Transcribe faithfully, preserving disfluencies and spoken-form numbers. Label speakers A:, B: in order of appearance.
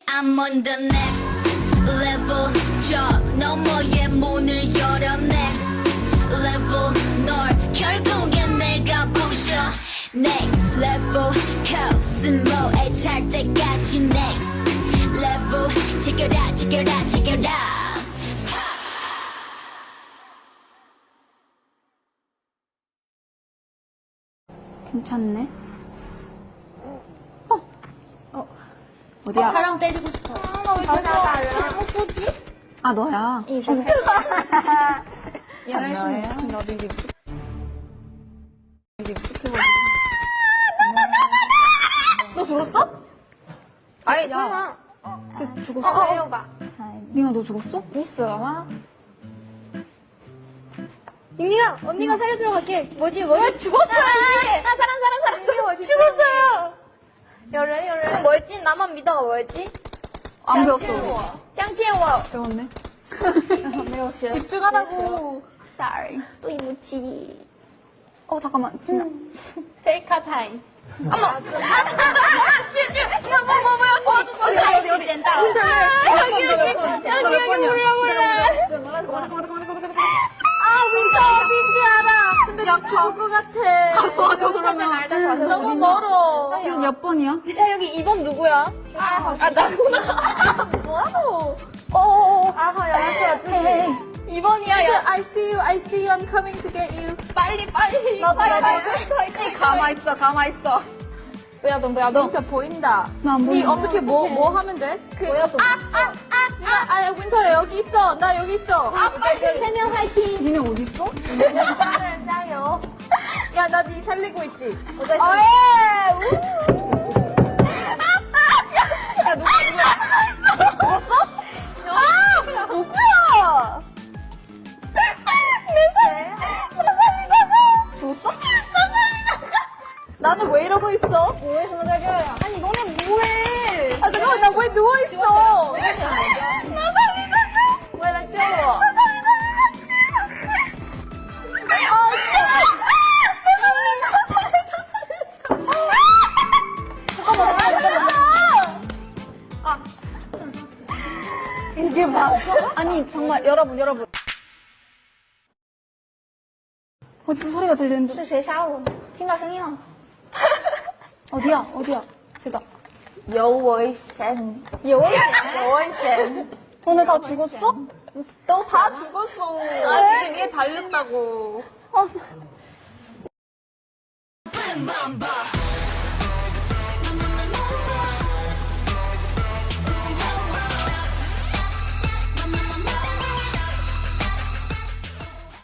A: I'm on the next level. 저 너머의 문을 열어 next level. 널 결국엔 내가 부셔 next level. 코스모에 탈 때까지 next level. Check it out, check it out, check it out.
B: 괜찮네. 어, 어, 어디야?
C: 사랑 때리고 싶어.
B: 아, 나 왜 계속
C: 잘못 쏘지?
B: 아, 너야.
C: 이 좀.
B: 얘는 너야? 나 비비. 너 죽었어?
C: 아니, 설마.
B: 그 죽었어?
C: 어, 내려봐.
B: 닝아, 너 죽었어?
C: 있어, 아마. 잉이야, 언니가 살려주러 갈게. 뭐지, 뭐지? 죽었어요, 언니! 아, 사람, 사람, 사람. 죽었어요! 열애, 열애. 뭐였지? 나만 믿어가 뭐였지?
B: 안 배웠어.
C: 짱치해워.
B: 배웠네.
C: 배웠어요.
B: 집중하라고.
C: Sorry. 对不起.
B: 어, 잠깐만. 진아.
C: 셀카 타임. 어머! 쭈쭈! 이거 뭐, 뭐, 뭐야? 어,
B: 어디, 어디, 어디?
C: 된다.
B: 여기, 여기,
C: 여기,
B: 몇 번?
C: 여기,
B: 몇
C: 여기,
B: 번이야?
C: 몰라, 몰라.
B: 아, 윈터, 빈지 알아. 근데 나 죽을 것 같아. 가서 저 그러면.
C: 알다, 가서.
B: 너무 멀어. 이거 몇 번이야?
C: 야, 여기 이 번 누구야? 아, 아 나구나. 뭐하노?
B: 어어어.
C: 아하, 야, 이 번이야, 야.
B: I see you, I see you, I'm coming to get you.
C: 빨리, 빨리.
B: 나도,
C: 빨리,
B: 나도.
C: 빨리.
B: 가만있어, 가만있어.
C: 뭐야, 너, 뭐야, 너.
B: 윈터 보인다.
D: 나안
B: 니
D: 보여.
B: 어떻게 뭐, 뭐 하면 돼?
C: 뭐야, 너. 아, 아, 아,
B: 아, 아, 윈터 여기 있어. 나 여기 있어.
C: 아, 빨리. 세명 화이팅.
D: 니네 어디 있어?
C: 나를 짜요.
B: 야, 나 니 살리고 있지?
C: 어, 예!
B: 야, 누가, 누구야? 죽었어? 아! 누구야? 죽었어? 나는 왜 이러고 있어?
C: 뭐해, 손가락이야.
B: 아니, 너네 뭐해? 아, 잠깐만, 나 왜 누워있어?
C: 왜 나 쪄워?
B: 이게 맞아?
D: 아니 정말 여러분 여러분 어디서 소리가 들리는데
C: 是谁杀我？听到声音了。
D: 어디야 어디야 제가
B: 有危险.
C: 有危险。
B: 有危险.
D: 오늘 다 죽었어?
B: 너 다 죽었어. 아, 지금 얘 달렸다고.
A: Boom, boom, boom.